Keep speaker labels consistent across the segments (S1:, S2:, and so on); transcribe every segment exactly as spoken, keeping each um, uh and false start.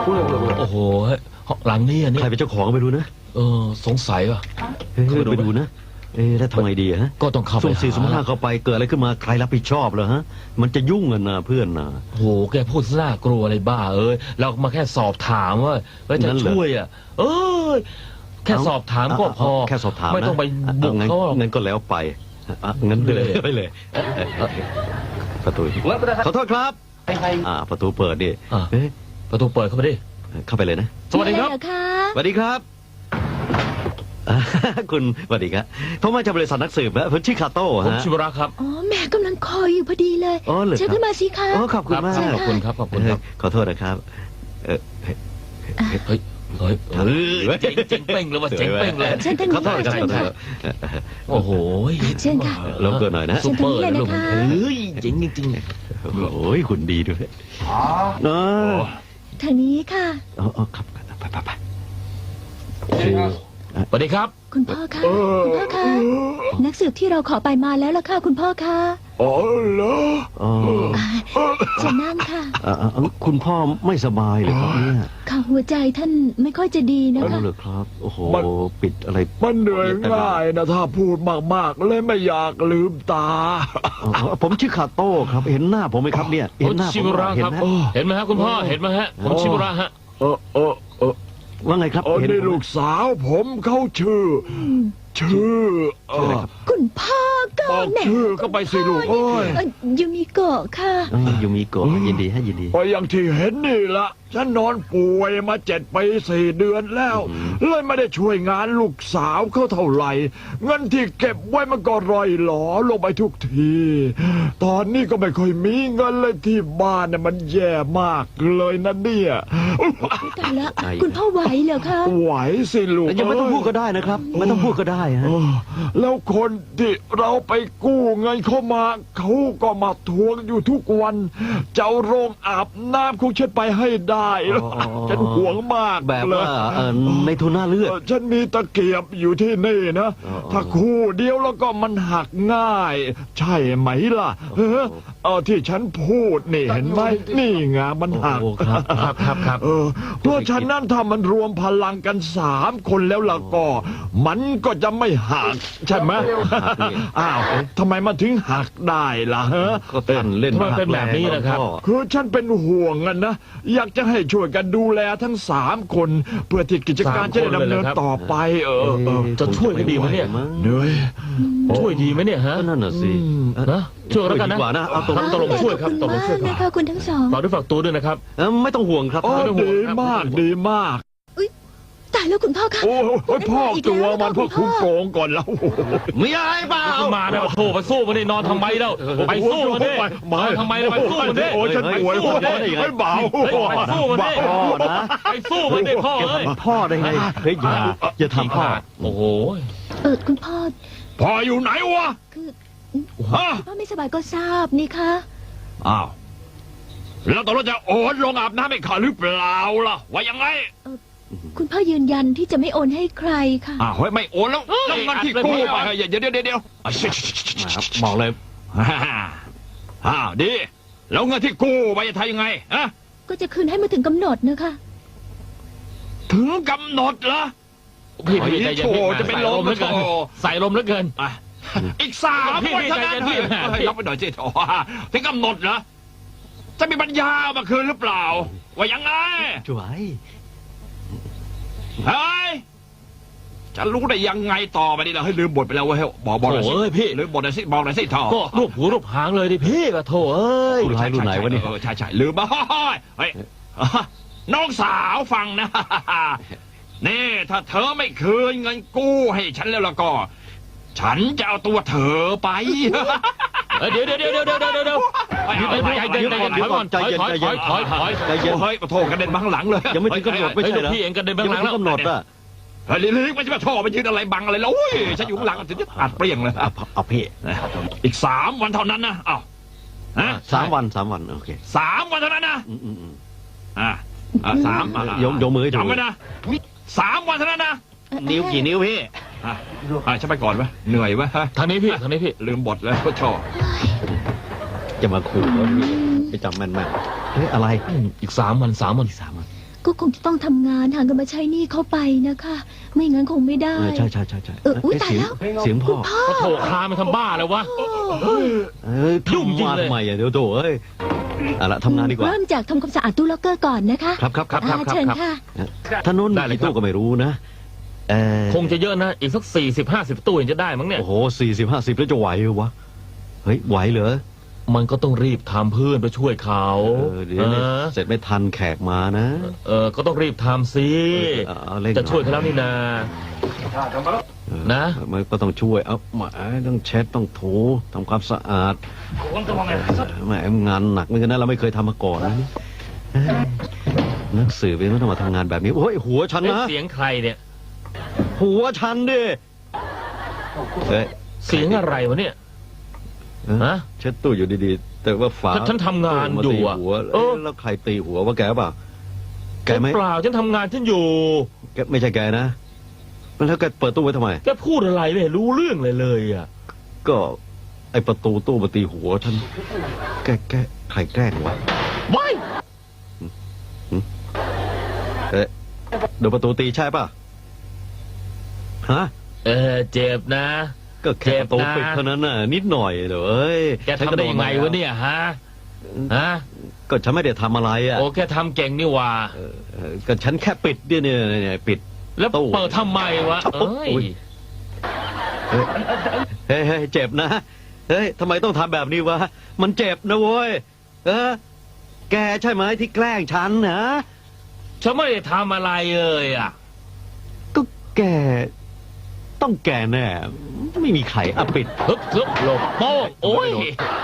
S1: โอ้โหหลังนี้อันนี้
S2: ใครเป็นเจ้าของไม่รู้นะ
S1: เออสงสัยว่ะ
S2: ไปดูนะเอ๊ะแล้วทำไงดีฮะ
S1: ก็ต้องเข้าไป
S2: สุ่มสี่สุ่มห้าเข้าไปเกิดอะไรขึ้นมาใครรับผิดชอบเหรอฮะมันจะยุ่งกันนะเพื่อนนะ
S1: โหแกพูดน่ากลัวอะไรบ้าเอ้ยเรามาแค่สอบถามว่าจะช่วยอ่ะเอ้ยแค่สอบถามก็พอ
S2: แค่สอบถาม
S1: ไม่ต้องไปบุกเขา
S2: งั้นก็แล้วไปงั้นเลยไปเลยประตูขอโทษครับอ่าประตูเปิดดิ
S1: ประตูเปิดเข้าไปดิ
S2: เข้าไปเลยนะ
S1: สวัสดีครับ
S2: สวัสดีครับคุณสวัสดีครับผมมาจากบริษัทนักสืบนะผมชื่อคาโต้ฮะ
S1: ผมชิวระครับ
S3: อ๋อแม่กำลังคอยอยู่พอดีเลยเชิญขึ้นมาสิคะ
S2: อ๋อขอบคุณมาก
S1: ขอบคุณครับขอบคุณครับ
S2: ขอโทษนะครับเออเฮ้ย
S1: เฮ้ยเฮ้ยเจ๋งเจ๋งเป้งเลยว่าเจ๋งเป้งเลย
S2: ขอโทษครับขอโทษ
S1: โอ้โห
S3: เชิญค่ะ
S2: ลงตัวหน่อยนะ
S1: ซุปเปอร์เลยลูกเฮ้ยเจ๋งจริง
S2: ๆโอ้ยหุ่นดีด้วยอ๋อ
S3: ทางนี้ค่ะ
S2: อ๋อครับไปไปไป
S1: สวัสดีครับ
S3: คุณพ่อคะคุณพ่อคะนักสืบที่เราขอไปมาแล้วล่ะค่ะคุณพ่อคะ
S4: อ๋อเหรอ
S3: จะนั่งค่ะ
S2: คุณพ่อไม่สบายเลยครับเนี่ย
S3: ค่ะหัวใจท่านไม่ค่อยจะดีนะคะ
S2: เลยครับโอ้โหปิดอะไร
S4: มันเหนื่อยง่ายนะถ้าพูดมากๆเลยไม่อยากลืมตา
S2: ผมชื่อคาโต้ครับเห็นหน้าผมไหมครับเนี่ย
S1: เห็นหน้าผมเห็นไหมเห็นไหมฮะคุณพ่อเห็นไหมฮะผมชิบุระฮะ
S4: เออเออเออ
S2: ว่าไงครับ
S4: เห็นลูกสาวผมเขาชื่อชื่อ
S3: คุณพ่อก็
S4: แม่ชื่อก็ไปสิลูกโอ้ย
S3: ยูมิโกะค่ะ
S2: ยูมิโกะยินดีให้ยินดี
S4: ไปอย่างที่เห็นนี่ละฉันนอนป่วยมาเจ็ดปีสี่เดือนแล้วเลยไม่ได้ช่วยงานลูกสาวเขาเท่าไหร่เงินที่เก็บไว้มันก็ร่อยหลอลงไปทุกทีตอนนี้ก็ไม่ค่อยมีเงินเลยที่บ้านเนี่ยมันแย่มากเลยนะเนี่ย
S3: แต่ละคุณพ่อไหวเหรอคะ
S4: ไหวสิลูก
S2: ยังไม่ต้องพูดก็ได้นะครับไม่ต้องพูดก็ได้ฮะ
S4: แล้วคนที่เราไปกู้เงินเข้ามาเขาก็มาทวงอยู่ทุกวันเจ้าโรงอาบน้ำของฉันไปให้ได้ฉันห่วงมาก
S2: แบบว่าในทุนหน้าเลือด
S4: ฉันมีตะเกียบอยู่ที่นี่นะถ้าคู่เดียวแล้วก็มันหักง่ายใช่ไหมล่ะเออเออที่ฉันพูดนี่เห็นไหมนี่ไงมันหัก
S1: ครับครับครับ
S4: เออเพราะฉะนั้นถ้ามันรวมพลังกันสามคนแล้วล่ะก็มันก็จะไม่หักใช่ไหมอ้าวทำไมมันถึงหักได้ล่ะฮะ
S2: ก็เต้นเล่น
S1: มันเป็นแบบนี้นะครับ
S4: คือฉันเป็นห่วงกันนะอยากจะให้ช่วยกันดูแลทั้งสามคนเพื่อที่กิจการจะได้ดำเนินต่อไปเออ
S1: จะช่วยกันดีไหมเนี่ย
S4: เหนื่อย
S1: ช่วยดีไหมเนี่ยฮะ
S2: นั่นน่ะสิ
S1: นะช่วยแล้วกันนะเอาตกลงตกลงช่วยครับตกลงช่วย
S3: ครับคุณทั้งสอง
S1: ฝากด้วยฝากตัวด้วยนะครับ
S2: ไม่ต้องห่วงครับ
S4: ดีมากดีมาก
S3: ตายแล้วคุณพ่อคะ
S4: โอ้ยพ่อตัวมันพ่อคุ้มโกงก่อนแล้ว
S2: มีอะไรเปล่า
S1: มาเนี่ยโทรไปสู้มันได้นอนทำไมแล้วไปสู้มันได้มาทำไมไปสู้มันได้
S4: โอ้ยฉันป่วยพ่อไม่เบา
S1: ไปสู้มันได้ไปสู้มันได้พ่อเอ้ย
S2: พ่อได้ไงเฮ้ยอย่าอย่าทำพ่อ
S1: โอ้โห
S3: เออคุณพ่อ
S4: พ่ออยู่ไหนวะ
S3: คือพ่อไม่สบายก็ทราบนี่คะ
S4: อ้าวแล้วตกลงจะโอนลงอาบน้ำให้ข้าหรือเปล่าล่ะว่ายังไง
S3: คุณพ่อยืนยันที่จะไม่โอนให้ใครค่ะ
S4: อ้าวไม่โอนแล้วแล้วเงินที่กู้ไปเดี๋ยวเดี๋ยวเดี๋ยว
S2: บอกเลย
S4: อ้าวดีแล้วเงินที่กู้ไปจะทำยังไงอะ
S3: ก็จะคืนให้มาถึงกำหนดนะคะ
S4: ถึงกำหนดเหรอ
S1: พี่พี่ใจเย็น
S4: จะเป็นลมแล้วเกิน
S1: ใส่ลมแล้วเกิน
S4: อีกสามวันเท่านั้นรับไปหน่อยสิโอ้ถึงกำหนดเหรอจะมีปัญญามาคืนหรือเปล่าว่ายังไง
S2: ช่วย
S4: เฮ้ยจะรู้ได้ยังไงต่อไปนี่เราให้ลืมบทไปแล้วเว้ยบอกบอกหน่อยสิ
S1: พี่
S4: ลืมบทหน่อยสิบอกหน่อยสิท่อ
S1: ก็รูปหูรูปหางเลยดิพี่ก็โถเอ้ย
S2: รุ่นไหนรุ่นไหนวะนี่
S4: ใช่ใช่ลืมบ้าเฮ้ยน้องสาวฟังนะนี่ถ้าเธอไม่คืนเงินกู้ให้ฉันแล้วล่ะก็ฉันจะเอาตัวเธอไป
S1: เดี๋ยวเดี๋ยวเดี๋ยวเดี๋ยวเดี๋ยวเดี๋ยวเดี๋ยวใจเย็นใจเย็นถอยก่อนใจเย็นใจเย็นถอยถอย
S4: ใจเย็นเฮ้ยโทษกระเด็นบังหลังเลย
S2: ยังไม่ถึงกำหนดไม่ใช่เหรอ
S1: พี่เองกระเด็นบังหลังแล้ว
S2: กำหนดอ่ะ
S4: เฮ้ยลิกไม่ใช่ว่าท่อไปยืนอะไรบังอะไรแล้วอุ้ยฉันอยู่ข้างหลังถึงจะอัดเปรี้ยงเลย
S2: เอาพี่
S4: อีกสามวันเท่านั้นนะอ้าว
S2: สามวันสามวันโอเค
S4: สามวันเท่านั้นนะอ่าสาม
S2: ยกยกมือ
S4: จำไว้นะสามวันเท่านั้นนะ
S2: นิ้วกี่นิ้วพี่
S4: อ่าฉันไปก่อนไหมเหนื่อยไหมฮะ
S1: ทางนี้พี่ทางนี้พี่
S4: ลืมบทแล้วก็ชอบ
S2: จะมาขู่แล้วพี่ไปจำแม่นแม่เฮ้ยอะไร
S1: อีกสามวันสามวัน
S2: สามวัน
S3: ก็คงจะต้องทำงานหาเงินมาใช้หนี้เขาไปนะคะ ไม่งั้นคงไม่ได้
S2: เออใช่ใช่ใช่ใช่
S3: เอออุ๊ย
S2: เสีง
S3: ตายแล้ว
S2: เสียงพ่อ
S1: ก็โถคลามันทำบ้าเลยวะ
S2: เอ้ย
S1: ยุ่งจริง
S2: ทำมา
S1: เลย
S2: ทำไมอ่ะเดี๋ยวโถเอ้ยเอาละทำงานดีกว่า
S3: เริ่มจากทำความสะอาดตู้ล็อกเกอร์ก่อนนะคะ
S2: ครับครับครับครับ
S3: อ่าเชิญค่ะ
S2: ท่านโน้น
S1: ได้เลย
S2: กี่ตู้
S1: ครับ
S2: ก็ไม่รู้นะเออ
S1: คงจะเยอะนะ อีกสักสี่สิบห้าสิบตู้เห็นจะได้มั้งเนี่ย
S2: โอ้โหสี่สิบห้าสิบแล้วจะไหวเหรอวะเฮ้ยไหวเหรอ
S1: มันก็ต้องรีบทำเพื่อนไปช่วยเขา
S2: เออเดี๋ยวเนี่ย
S1: เออ
S2: เสร็จไม่ทันแขกมานะ
S1: เออ ก็ต้องรีบทำสิ
S2: เออเอาเร่งหน่อย
S1: จะช่วยเขาแล้วนี่นา
S2: เออ
S1: นะ
S2: มันก็ต้องช่วยเอาหมาต้องเช็ดต้องถูทำความสะอาดแหมงานหนักเหมือนกันนะเราไม่เคยทำมาก่อนนะนี่เอ้ยนักสืบเองต้องมาทำงานแบบนี้โอ้ยหัวฉัน
S1: เอ๊ะ
S2: นะ
S1: เสียงใครเนี่ย
S2: หัวฉันดิเฮ้ย
S1: เสียงอะไรวะเนี่ย
S2: เออ
S1: ฮะ
S2: เช็ดตู้อยู่ดีๆ แต่ว่าฝา
S1: ฉันฉันทำงานอยู่อะ
S2: มาตีหัว
S1: เอ
S2: เอ้
S1: อ
S2: ยแล้วใครตีหัวว่าแกเปล่าแกไหม
S1: เปล่าฉันทำงานฉันอยู่
S2: แกไม่ใช่แกนะแล้วแกเปิดตู้ไว้ทำไม
S1: แกพูดอะไรไม่เห็นรู้เรื่องเลยเลยอ่ะ
S2: ก็ไอประตูตู้มาตีหัวฉันแกแกใครแกล้งวะ
S1: ว้าย
S2: เอ๊ะโดนประตูตีใช่ป่ะฮะ
S1: เออเจ็บนะ
S2: ก็แค่ประตู
S1: เจ็บนะ
S2: ปิดเท่านั้นน่ะนิดหน่อยเดี๋ยวเอ้ย
S1: แกทำได้ยังไงวะเนี่ยฮะ ฮะ
S2: ก็ฉันไม่ได้ทำอะไรอ่ะ
S1: โอ้แกทำเก่งนี่หว่า
S2: เออเออก็ฉันแค่ปิดเนี่ยเนี่ยเนี่ยปิด
S1: แล้ว
S2: ตู้
S1: เปิดทำไมวะ
S2: โอ้
S1: เอ้ย
S2: ย เฮ้ยเฮ้ยเจ็บนะเฮ้ยทำไมต้องทำแบบนี้วะมันเจ็บนะเว้ยเออแกใช่ไหมที่แกล้งฉันนะ
S1: ฉันไม่ได้ทำอะไรเลยอ่ะ
S2: ก็แกต้องแกแน่ไม่มีใครอ่ะปิด
S1: ฮึบฮึบหลบโป้งโอ้ย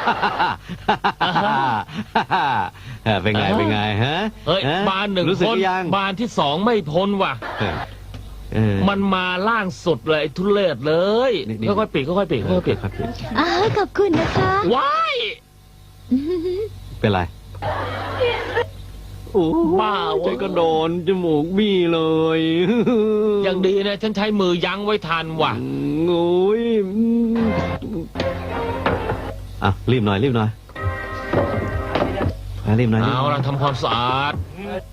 S2: เออเป็นไง
S1: อ่า
S2: เป็นไงฮะ
S1: เฮ้ย
S2: ฮะ
S1: บานหนึ่ง
S2: รู้สึก
S1: คน
S2: หรือยัง
S1: บานที่สองไม่พ้นว่ะ
S2: เออเออ
S1: มันมาล่างสุดเลยไอ้ทุเรศเลย
S2: นี่นี่
S1: ค่อยๆปิดค่อยๆปิดค่อยๆปิด
S2: ครับพี่
S3: อ้าวขอบคุณนะคะ
S1: ว้าย
S2: เป็นไรโอ้
S1: บ้า
S2: ใจ
S1: เว้ย
S2: ก็โดนจมูกบี้เลย
S1: ยังดีนะฉันใช้มือยั้งไว้ทันว่ะ
S2: โอ้ยอ่ะรีบหน่อยรีบหน่อยอ่ะรีบหน่อยรีบห
S1: เอา
S2: น่อย
S1: ละทำความสะอาด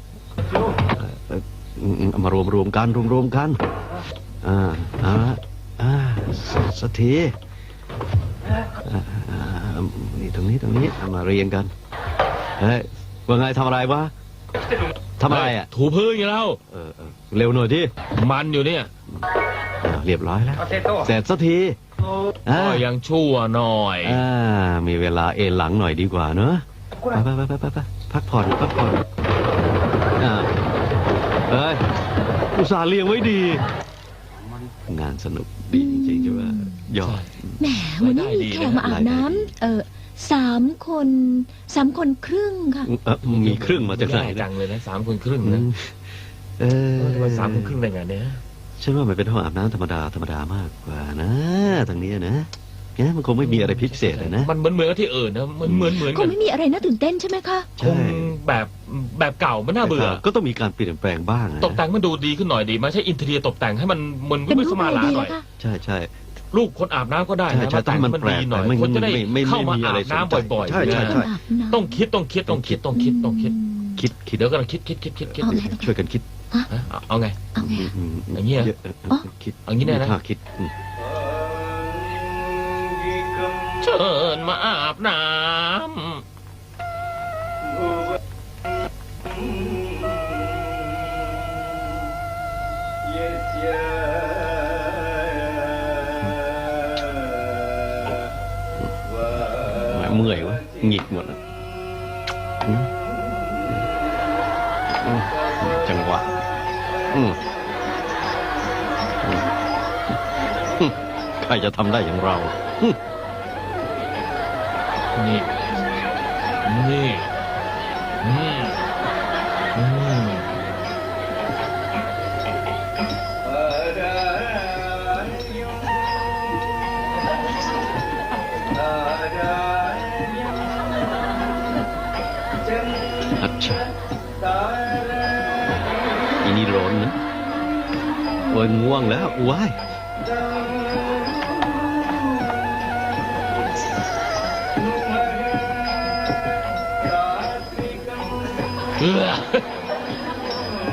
S2: อืมอืมเอามารวมรวมกันรวมรวมกัน อ่าเอาละอ่าสสักทีอ่าอ่านี่ตรงนี้ตรงนี้เอามาเรียงกันเฮ้ยว่าไงทำอะไรวะทำอะไรอ่ะ
S1: ถูพื้นอยู่แล้ว
S2: เออเออเร็วหน่อยที่
S1: มันอยู่เนี่ย
S2: เรียบร้อยแล้วเสร็จสักทีอ่า
S1: ก็ยังชั่วหน่อย
S2: อ่ามีเวลาเอนหลังหน่อยดีกว่าเนอะไปไปไปไปไปพักผ่อนพักผ่อนอ่าเอ้ยอุตส่าห์เลี้ยงไว้ดี งานสนุกดีจริงๆใช่ไหมยอด
S3: แหมวันนี้มีแขกมาอาบน้ำเออสามคนสามคนครึ่งค่ะ
S2: เอ่อมีครึ่งมาจากไหน
S1: ง่ย
S2: นะ
S1: จังเลยนะสามคนครึ่ง
S2: อื
S1: นะ
S2: มเออ
S1: ทำไมสามคนครึ่งได้ไงเนี่ย
S2: ฉันว่ามันเป็นห้องอาบน้ำธรรมดาธรรมดามากกว่านะทางนี้นะเนี่ยมันคงไม่มีอะไรพิเศษเลยนะ
S1: มันเหมือนเหมือนกับที่อื่นนะมันเหมือนเหมือน
S3: ค
S1: กั
S3: ง
S1: น
S3: ไม่มีอะไรน่าตื่นเต้นใช่ไหมคะ
S1: คงแบบแบบเก่ามันน่าเบื่อ
S2: ก็ต้องมีการเปลี่ยนแปลงบ้างนะ
S1: ตกแต่งมันดูดีขึ้นหน่อยดีไหมใช่อินเทอร์เนียตกแต่งให้มันเหมือน
S3: เป็น
S1: ไม่
S3: รู
S1: ส
S3: ป
S1: มา
S3: อะไร
S1: ลา
S3: ดี
S1: หน่
S3: แล้
S1: อ
S3: วย ค่ะ
S2: ใช่ใช่
S1: ลูกคนอาบน้ำก็ได้
S2: ใช่
S1: นะ
S2: ใช่
S1: มาแต่งให้มันดีหน่อย
S2: ไม่
S1: คนจะได้
S2: ไม่ไม่
S1: เข้ามา
S2: ไม่มีอะ
S1: อา
S2: ไร
S1: บ
S2: สนใจ
S1: น้ำบ่อยๆ
S2: ใช่ใช่
S1: นะ
S2: ใช่
S3: อาบน้ำ
S1: ต้องคิดต้องคิดต้องคิดต้องคิดต้องคิด
S2: คิดคิด
S1: เดี๋ยวกันคิดคิดคิดคิดคิด
S3: เอาไง
S2: ช่วยกันคิด
S1: ฮะเอาเอาไง
S3: เอาไง
S2: ม
S1: อย่างเงี้ย
S2: ะอ
S3: อ๋อ
S2: คิด
S1: อย่างงี้แน่นะ
S2: ถ้าคิดอืม
S1: เชิญมาอาบน้ำ
S2: แหมเมื่อยวะหงิกหมดแล้วอืมอืมจังหวะอืมอืมอืมใครจะทำได้อย่างเราอืม
S1: นี่ นี่ อืม อืม
S2: อัจฉาอีนี่ร้อนนะโอ้ยง่วงแล้วว้าย
S1: เออ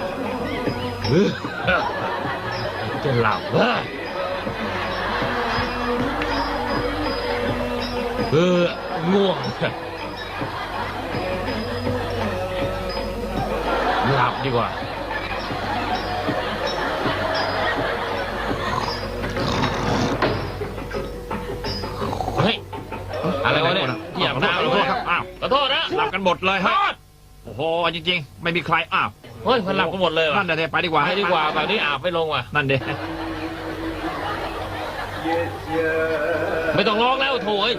S1: เออจะหลับเออเออง่วงหลับดีกว่าเฮ้ยอะไรวะเนี่ยเหยียบน้ำเลย
S4: ครับอ้าว
S1: ขอโทษนะ
S4: หลับกันหมดเลย
S1: ขอ
S4: ฮะ
S1: โทษ
S4: โอ้โหจริงๆ ไม่มีใครอ้าว
S1: เฮ้ยมันหลับกันหมดเลยว่ะ
S4: นั่นเดี๋ยวไปดีกว่า
S1: ไปดีกว่าแบบนี้อาบไม่ลงว่ะ
S4: นั่นเดี๋ยว
S1: ไม่ต้องร้องแล้วโถ่เอ้ย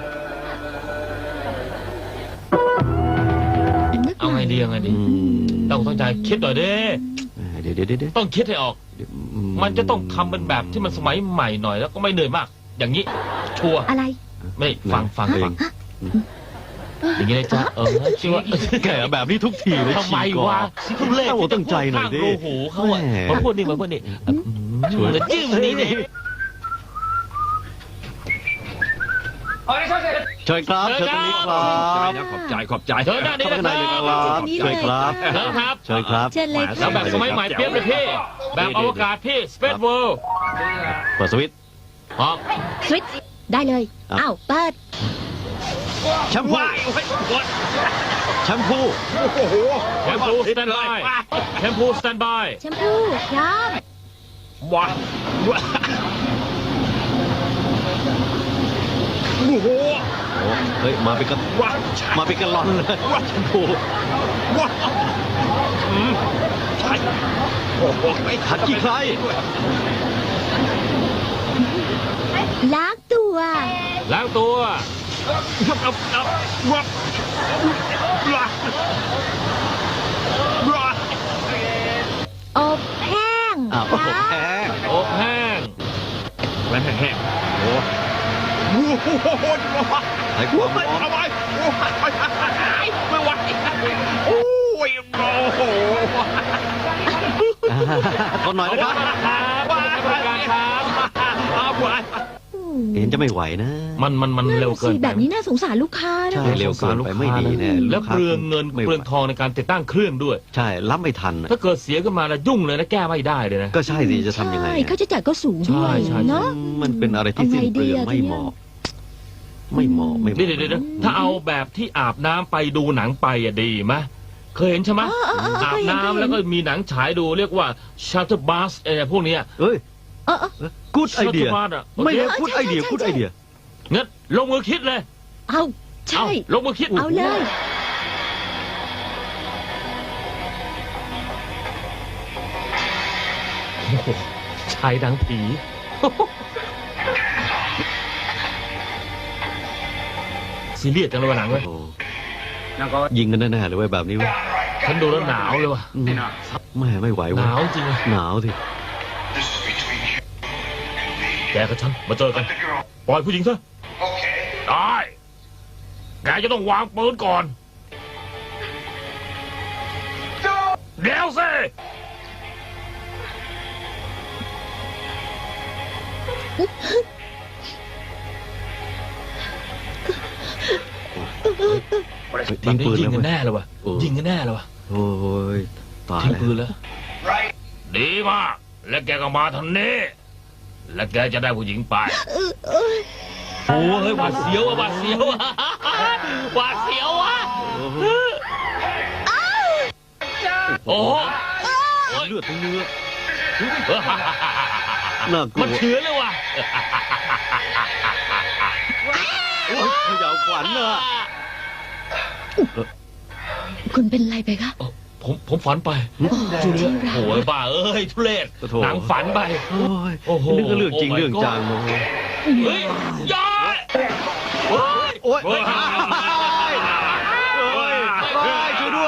S1: เอาไงดีเอาไงดี
S2: อืม
S1: ต้องต้องใจคิดหน่อยดิ
S2: เดี๋ยวเดี๋ยวเดี๋ยวเดี๋ยว
S1: ต้องคิดให้ออก
S2: อื
S1: มันจะต้องทำเป็นแบบที่มันสมัยใหม่หน่อยแล้วก็ไม่เหนื่อยมาก อย่างนี้ ชัวร์
S3: อะไร
S1: ไม่ฟังฟังฟังอย่างนี้เลยจ้ะเออชื่อว่า
S2: แกแบบนี้ทุกทีเลย
S1: ทำไมวะทุเล่
S2: ต้องตั้งใจหน่อยดิ
S1: โอ้โหเขาอะ
S2: แหม
S1: มาพูดนี่มาพูดนี่
S2: ช่วย
S1: จะจิ้มนี่เนี่ย
S2: เชิญครับเชิญตรงนี้ครั
S4: ใจ
S2: บ
S4: นะขอบใจขอบใจ
S1: เชิญด้านนี้
S2: เข้า
S1: นะ
S2: ไป
S1: ค
S2: ข้างใน
S1: รับ
S2: เลยครับเชิญครับ
S1: เชิญครับ
S2: เชิญครับ
S3: เชิญเลย
S1: แล้ว
S3: ค่ะ
S1: แบบสมัยใหม่เปรี้ยบเลยพี่ แบบอวกาศพี่ Space World
S2: เปิดสวิตช์
S1: พร้อม
S3: สวิตช์ได้เลย
S2: อ่ะ
S3: อ้าวเปิด
S2: แชมพู
S4: ว้ายโอ้ยปวด
S2: แชมพู
S4: โอ้โห
S1: แชมพูสแตนบายแชมพูสแตนบาย
S3: แชมพูพร้อม
S4: ว้ายว้ายโอ้โห
S2: โอ้เฮ้ยมาเป็นกัน
S4: ว้าย
S2: มาเป็นกันลอนเลยแชมพู
S4: ว้ายอืมใช่โอ้โห
S2: ขัดขี้ใคร
S3: ล้างตัว
S1: ล้างตัว
S4: วับวับวับวับว้ายว้าย
S3: อบแห้ง
S2: อ้าวโอ้โหแพง
S1: อบแห้ง
S4: แรงแห้งๆโอ้โหโอ้โห
S2: ให้ความ
S4: ไม่
S2: ร้อน
S4: เอาไปโอ้ยไม่ไหวโอ้ยโอ้โห
S2: อ่าทนหน่อยนะครับ
S1: ครับบริการครับ
S4: เอาไป
S2: เห็นจะไม่ไหวนะ
S1: มันมันมันเร็วเกิน
S3: สิ
S1: ไป
S3: แบบนี้น่าสงสารลูกค้านะ
S2: ใช่เร็วเกินไปไม่ดีแน่
S1: แล้วเปลืองเงิน
S2: ไม่ไหว
S1: เปลืองทองในการติดตั้งเครื่องด้วย
S2: ใช่รับไม่ทันน่ะ
S1: ถ้าเกิดเสียขึ้นมาแล้วยุ่งเลยนะแก้ไม่ได้เลยนะ
S2: ก็ใช่สิจะทำยังไง
S3: ใช่
S2: อ่ะ
S3: ค่าใช้จ่ายก็สูงด้วย
S1: ใช่ใช่
S3: เนาะ
S2: มันเป็นอะไรที่สิ้นเปลือง
S3: เอาไงดีอะ
S2: ไม่เหมาะ ไม่เหมาะไม่เห
S1: เดี๋ยว
S2: มาะ
S1: เดี๋ยวเดี๋ยวถ้าเอาแบบที่อาบน้ำไปดูหนังไปอะดีไหมเคยเห็นใช่ไหม
S3: อ๋ออ๋ออ๋อ
S1: อาบ
S3: เคยเห็น
S1: น้ำแล้วก็มีหนังฉายดูเรียกว่าชัตเตอร์บัสอะไรพวกเนี้ย
S2: เอ้ย
S3: เออเออ
S2: กูดไอเดีย
S1: ชัตเตอร์บัสอะโอ
S2: ไม่
S1: เค
S2: ใช่กูดไอเดียกูดไอเดีย
S1: งั้นลงมือคิดเลย
S3: เอาใช่
S1: เอาลงมือคิด
S3: เอาเลย
S1: โอ้โหชายดังผี ซีเรียสจังเลยวันหลังเว้ย
S2: โอ้ยิงกันแน่ๆเลยเว้ยแบบนี้เว้ย
S1: ฉันดูแล้วหนาวเลยว่ะ
S2: อืมไม่ไม่ไหว
S1: ห
S2: เว้ย
S1: นาวจริงเลย
S2: หนาวสิ
S1: แกกับฉันมาเจอกัน ปล่อยผู้หญิงซะได้ แกจะต้องวางปืนก่อน เดี๋ยวสิ
S2: เฮ้ย
S1: แบ
S2: ทิ้
S1: บ
S2: ง
S1: นี้
S2: ปืน
S1: ยิง
S2: แล้ว
S1: กัน
S2: เว้ย
S1: แน่เลยว่ะ
S2: โอ้
S1: ยิงกันแน่เลยว่ะ
S2: โอ้ยตาย
S1: ทิ้ง
S2: แล้ว
S1: ปืนแล้ว ดีมาก และแกก็มาทางนี้ และแกจะได้ผู้หญิงไป โอ้เฮ้ยหวาดเสียวอะหวาดเสียวอะหวาดเสียวอะโอ้โห
S2: เลือดทั้งเนื้อน่ากลัว
S1: มันเชื้อเลยว่ะ
S2: โอ้ยเขย่าขวัญเนอะ
S3: คุณเป็นไรไปคะ
S1: เอ้าผมผมฝันไปจูเลียโอ้ยบ้าเอ้ยทุเรศหนังฝันไป
S2: โอ้ย
S1: โอ้โห
S2: นึกว่าเรื่องจริง
S1: โอ้ my
S2: เรื่องจังโอ้โห
S1: เฮ้ยยายโอ้ย
S2: โอ้ย
S1: โอ้ย
S2: โอ้ยโอ้ยช่วยด้วย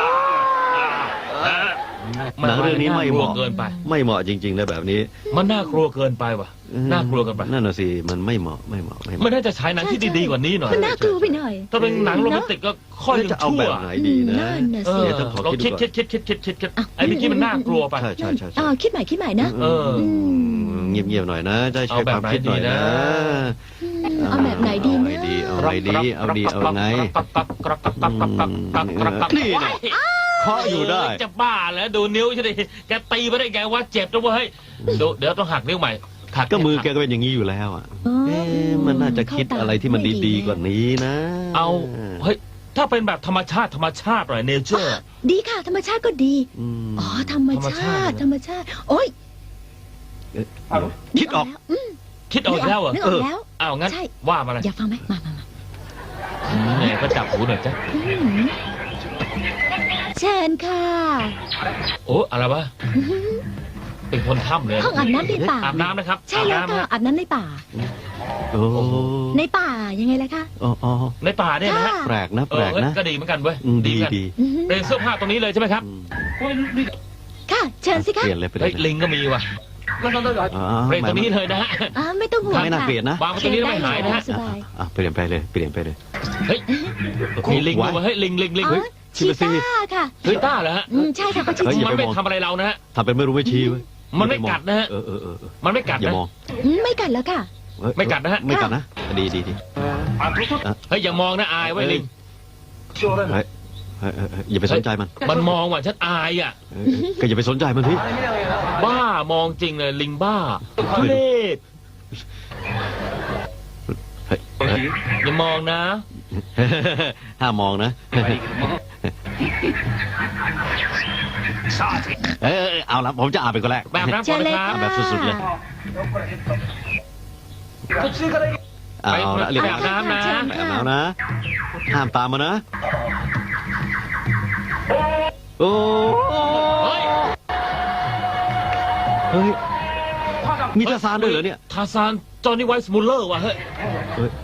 S2: หนังเรื่องนี้ไม่เหมาะ
S1: เกินไป
S2: ไม่เหมาะจริงๆนะแบบนี้
S1: มันน่ากลัวเกินไปว่ะ น่ากลัวเกินไป
S2: นั่นน่ะสิมันไม่เหมาะไม่เหมาะไม่เห
S1: ไม่
S2: มาะ
S1: น่าจะฉายหนังที่ดีๆกว่านี้หน่อย
S3: มันน่ากลัวไปหน่อย
S1: ถ้าเป็นหนังโรแมนติกก็ค่อย
S2: แล้ว
S1: ยัง
S2: จะเอา
S1: ชั่
S2: แบ
S1: ว
S2: บไหนดีนะ
S3: นั่นน่ะ
S1: เอ
S3: สิ
S1: อ
S2: เดี๋ยวต้องขอ
S1: เรา
S2: คิ
S1: คิ
S2: ด
S1: ด
S2: ดูก่อน
S1: คิดคิดคิดคิดคิดคิด
S3: อ่ะ
S1: ไอ้เมื่อกี้มันน่ากลัวไป
S2: ใช่ใช่ใช่ใช่
S3: อ่าคิดใหม่คิดใหม่นะ
S1: เออ
S2: เงียบเงียบๆหน่อยนะจะใช้
S1: เอาแบ
S2: ค
S1: บ
S2: วามคิดหน่อย
S1: ไหนดี
S2: นะ
S1: นะ
S3: เอาแบบไหนดี
S2: เอา
S3: นะ
S2: ไงดีเอาไงดีเอาดีเอาไง
S1: กรับกรับกรับกรับกรับกรับกรับกรับกรับ
S2: นี่นะ
S1: โ
S2: เคาะอยู่ได้
S1: จะบ้าแล้วดูนิ้วใช่ไหมแกตีไปได้ไงว่าเจ็บนะเว้ยดูเดี๋ยวต้องหักนิ้วใหม่หัก
S2: ก็มือแกก็เป็นอย่างนี้อยู่แล้วอ่ะ
S3: อ๋อ
S2: เอ๊ะมันน่าจะคิดอะไรที่มันดีๆกว่านี้นะ
S1: เอาเฮ้ยถ้าเป็นแบบธรรมชาติธรรมชาติหน่อยเนเจอร์
S3: ดีค่ะ ธรรมชาติก็ดี
S2: อืม
S3: อ๋อ ธรรม
S1: ธรรม
S3: ชา
S1: ชาติ
S3: ติ ธรรมชาติ โอ๊ย
S2: เอ๊ะคิดออก
S3: แล้วอืม
S1: คิดเอาอีกแล้วเหรอ
S3: นึกออกแล้ว
S1: อ้าวงั้น
S3: ใช่
S1: ว่ามาเลย
S3: อยากฟังไหมมามามา
S1: เนี่ยก็จับหูหน่อยจ้ะ
S3: อืมเชิญค่ะ
S1: โอ้อะไรวะเป็นคนถ้ำเลย
S3: ห้องอาบน้ำในป่า
S1: อาบน้ำนะครับ
S3: ใช่แล้ว
S1: อาบน้ำ
S3: ค่ะ
S1: นะ
S3: อาบน้ำในป่า
S2: โอ้
S3: ในป่ายังไงล่ะคะ
S2: อ๋ออ๋อ
S1: ในป่าเนี่ยนะฮะ
S3: ค่ะ
S2: แปลกนะ
S1: เอ
S2: แปล
S1: อก เฮ้ย
S2: นะ
S1: ก็ดีเหมือนกันเว้ย
S2: อืมดี
S1: เหมือนกัน
S2: ดี
S3: อือหือ
S1: เป็นเสื้อผ้าตรงนี้เลยใช่ไหมครับ
S2: อืม
S3: ค่ะ เชิญสิ
S2: เป
S3: คะ
S2: ลี่ยนเลยไปเล
S1: เฮ้ย
S2: ย
S1: ลิงก็มีว่ะ
S2: อ๋อ
S1: เปลี่ยนตรงนี้เลยนะฮะ
S3: อ่าไม่ต้องห่วง
S2: ไม่น่า
S3: ค่ะ
S2: เปลี่ยนนะ
S1: วางไว้ตรงนี้แล้วไม่หายนะฮะ
S3: สบาย
S2: อ่ะเปลี่ยนไปเลยเปลี่ยนไปเลย
S1: เฮ้ยมีลิงด้วยวะเฮ้ยลิงลิงลิง
S3: อ๋อ
S1: เฮ้ย
S3: ชีต้าค่ะ
S1: เฮ้ยต้าเหรอฮะ
S3: อืมใช่ค่ะเขาชื่อ
S2: เฮ้ย
S3: ชี
S2: อย่า
S1: มัน
S2: ไป
S1: ไม่
S2: มอง
S1: ทำอะไรเรานะฮะ
S2: ทำเป็นไม่รู้ไม่ชี้เว้ย
S1: มันไม่กัดนะฮะ
S2: เออเออเออเออ
S1: มันไม่กัด
S2: อย่า
S1: นะ
S2: มอง
S3: อืมไม่กัดแล้วค่ะ
S2: เฮ้ย
S1: ไม่กัดนะฮะ
S2: ไม่กัดนะดีดีดี
S1: เฮ้ยอย่ามองนะอายไว้ลิง
S2: เฮ้ยเฮ้ยเฮ้ยเฮ้ยอย่าไปสนใจมัน
S1: มันมองว่ะฉันอายอ่ะ
S2: เออเออก็อย่าไปสนใจมันพี่
S1: บ้ามองจริงเลยลิงบ้าทุเรศ
S2: เฮ้ยเฮ้ย
S1: อย่ามองนะ
S2: ห้ามมองนะเออเออเอาละผมจะอาบเป็นคนแรก
S1: แบบน้ำ
S3: เชิ
S1: ก่อน
S3: ญเลย
S1: นะค
S3: ค่ะ
S1: รับ
S2: แบบสุดๆเลย เอาละเรียบ
S1: แบ
S2: ร้อบ ย
S1: น้ำนะ
S3: เชิญ
S2: แบ
S3: ค่ะ
S2: บแล้วนะ ห้ามตามมานะ โอ้
S1: เฮ้ย
S2: เฮ้ย มีทาซานด้วยเหรอเนี่ย
S1: ทาซานจอห์นนี่ไวส์มูลเลอร์ว่ะเฮ้ย
S2: เฮ้ย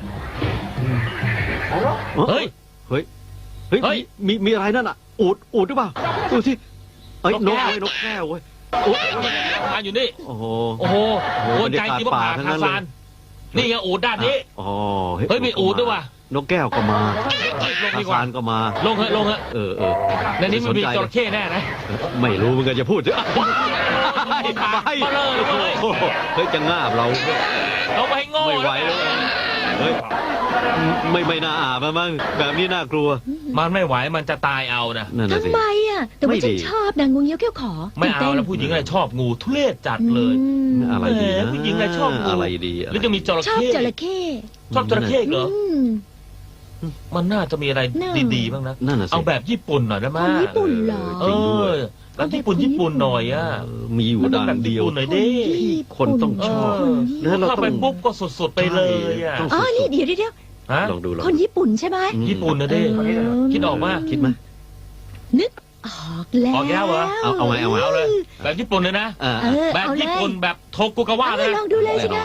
S1: เฮ้ย
S2: เฮ้ย เฮ้ย
S1: เฮ้ย
S2: มีมีอะไรนั่นอ่ะ อูด อูดหรือเปล่า ดูสิเอ้ย น
S1: น
S2: ก
S1: กแก้ว
S2: เว้ยนกแก้วเว้ยโอ้ย
S1: ทานอยู่นี่
S2: โอ้โห
S1: โอ้โห
S2: โอ้โห
S1: โอนใจจริงว่าผ่า
S2: บรรยากาศป่าทั้ง
S1: ทา
S2: นั้นเลย
S1: ซาน นี่ไงอูดด้านนี้
S2: อ๋อ
S1: เฮ้ยมีอูฐด้วยว่ะ
S2: นกแก้วก็มา
S1: เฮ้ยลง
S2: ทา
S1: ดีกว่า
S2: ซานก็มา
S1: ลงเถอะลงเถอะ
S2: เออเออ
S1: ในนี้มันมี
S2: ไส
S1: จ
S2: ใจ
S1: ระเข้แน่นะ
S2: ไม่รู้เหมือนกันจะพูดเถอะ
S1: ปากมาเลยเลย
S2: โอ้โหเฮ้ยจะง่าบเรา
S1: เราไปให้โง่
S2: ไม่ไหวแล้วเฮ้ยไม่ไม่น่าอาบอะมั้งแบบนี้น่ากลัว
S1: มันไม่ไหวมันจะตายเอานะ
S2: นั่นน่ะสิ
S3: ทำไมอ่ะ แต่ว่า
S2: ไม่
S3: ฉั
S2: ดี
S3: นชอบนางงูเงี้ยวเขี้ยวขอ
S1: ไม่เอา
S3: ตื่น
S1: แล้ว
S3: ต้น
S1: ผู้หญิงอะไรชอบงูทุเรศจัดเลย
S3: อืม
S2: อะไรดีนะ
S1: แหมผู้หญิงอะไรชอบงู
S2: อะไรดี
S1: หรือจะมีจระ
S3: ชอบ
S1: เข้
S3: จระเข้
S1: ชอบจระเข้เหรอ
S3: อืม
S1: มันน่าจะมีอะไร
S3: น่า
S1: ดีๆบ้างนะ
S2: นั่นน่ะสิ
S1: เอาแบบญี่ปุ่นหน่อยได้ไหม
S3: คนญี่ปุ่นเหรอ
S1: เออแบบญี่ปุ่นญี่ปุ่นหน่อยอ่ะ
S2: เออมีอยู่ด้านเดียว
S1: มันต้องแบบญี่ปุ่นหน่อยดิ
S2: คนต้องชอบ
S3: คนญี่
S2: แล้วเรา
S1: เข้าไป
S2: ต้อง
S1: ปุ๊บก็สดๆไปเลยอ่ะ
S2: ต้อง
S3: อ๋อ
S2: สุด
S3: นี่เดี๋ยวเดี๋ยว
S1: ฮะ
S2: ๆลองดูลอง
S3: คนญี่ปุ่นใช่ไหม
S2: อืม
S1: ญี่ปุ่นนะเด้
S3: เออ
S1: คิดออกมา
S2: คิดไหม
S3: นึกออกแล้ว
S1: ออกแล้วเหรอ
S2: เอาเอาไงเอาไง
S1: เอาเลย แบบญี่ปุ่นเลยนะ
S2: อ่า
S3: เออ
S1: แบบ
S3: เอาเลย
S1: ญี่ปุ่นแบบโทกุกาวะ
S3: เอา
S1: เลย
S3: ลองดูเลยสิคะ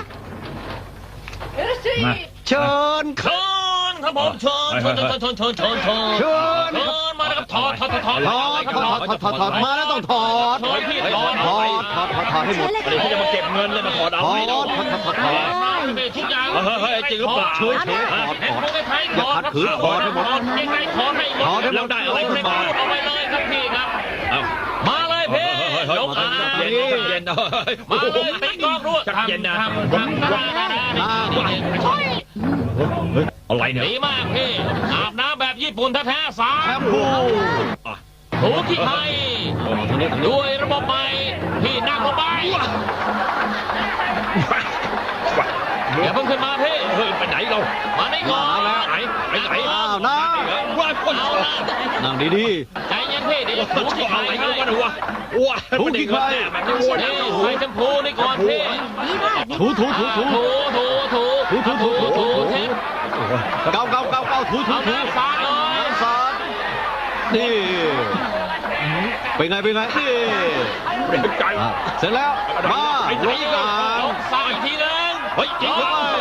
S2: เชิญ
S1: เชิญครับผมเชิญเชิญเชิญเชิญเชิญเชิญเชิญ
S2: เชิญ
S1: เชิญมาแล้วครับถอดถอดถอดถอด
S2: ถอดถอดถอดถอดถอดมาแล้วต้องถอด
S1: ถอดพี่ถอด
S2: ถอดถอดถอดถอดให้หมด
S3: ใช่เลยค่ะ
S1: เขาจะมาเก็บเงินเลยมาถอดเอา
S2: ถอ
S1: ให้
S2: ด
S1: เรา
S2: ถอดถอดถอดถอด
S1: มาเลยทุกอย่าง
S5: เฮ้ยเฮ้ยจริงหรือเปล่า
S2: เฉยเฉยถอดถอด
S1: ไทยถอด
S2: อย่าขัดขืนถอดให้หมด
S1: ยังไงถอดให้หมด
S2: ถอดให้หมด
S1: แล้วได้อะไรขึ้นมาเอาไปเลยครับพี่ครับ
S5: เอ้า
S1: มาเลยพี่
S5: เฮ้ยเฮ้ย
S1: ยก
S5: เฮ้
S1: อ่าย
S5: เย็นเย็นเฮ้ย
S1: มาเลยตีกลองด้วย
S5: จักเย็นนะ
S1: ทำทำทำทำทำ
S5: อะไรเนี่ย
S1: ดีมากพี่อาบน้ำแบบญี่ปุ่นแท้ๆสา
S2: แช
S1: ม
S2: มพู
S1: ถูที่ไทย
S2: ทางนี้ทางนี้
S1: ด้วยระบบใหม่พี่นั่งลงไปอย่าเพิ่งขึ้นมาพี่
S5: เฮ้ยไปไหนเรา
S1: มาได้ก่อน
S5: ไหนไปไหน
S2: อ้าวนะ
S5: ว่าคน
S1: เอาละ
S2: นั่งดี
S1: ใจเย็นพี่เดี๋ยวจะถูที่ไท
S5: อะไร
S1: ย
S5: กัน
S1: ให้
S5: วะเนี่ยว้า
S2: ถูที่ใคร
S5: มันไม่ว้วน
S1: นี่ใส่แชมพูนี่ก่อนพี่
S3: นี่มาก
S2: ๆถูถูถูถู
S1: ถูถูถู
S2: ถูถูถูถูถู
S1: เช็ด
S2: เกาเกาเกาเกาถูถู
S1: เอา
S2: ถู
S1: น้ำสาดเลย
S2: น้ำสาดนี่เป็นไงเป็นไงนี่
S5: เป็นใจ
S2: อ่ะเสร็จแล้วมาลงอ่าง
S1: ลงสาดอีกทีนึง
S5: เฮ้ยจริงหรือเปล่า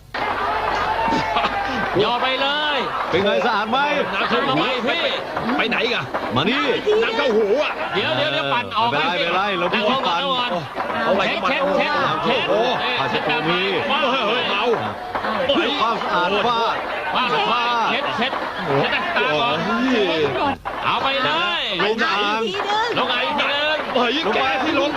S1: หยอดไปเลย
S2: เป็นไงสะอาดไหม
S5: น้ำเข้าหูพี่ไปไหนกัน
S2: มานี่
S5: น้ำเข้าหูอ่ะ
S1: เดี๋ยวเดี๋ยวเดี๋ยวปั่นออก
S2: ไม่เป็นไรไม่เป็นไรเรา
S1: นั่งลงก่อน
S2: ปั่น
S1: ก่อน
S5: เอาไว้
S1: เช็ดเช็ดเช็ดเช็ด
S5: โอ้
S2: ผ้าเช็ดตัวมี
S1: ว้าว
S5: เฮ้ยเฮ้ยเมา
S2: เพื่อความสะอาดฟาด
S1: ว้าวว้าวเช็ดเช็ดเช็ดตาก่อนเอาไปเลย
S2: ลงอ่าง
S3: ทีนึง
S1: ลงไงทีนึง
S5: เฮ้ยแกที่ลง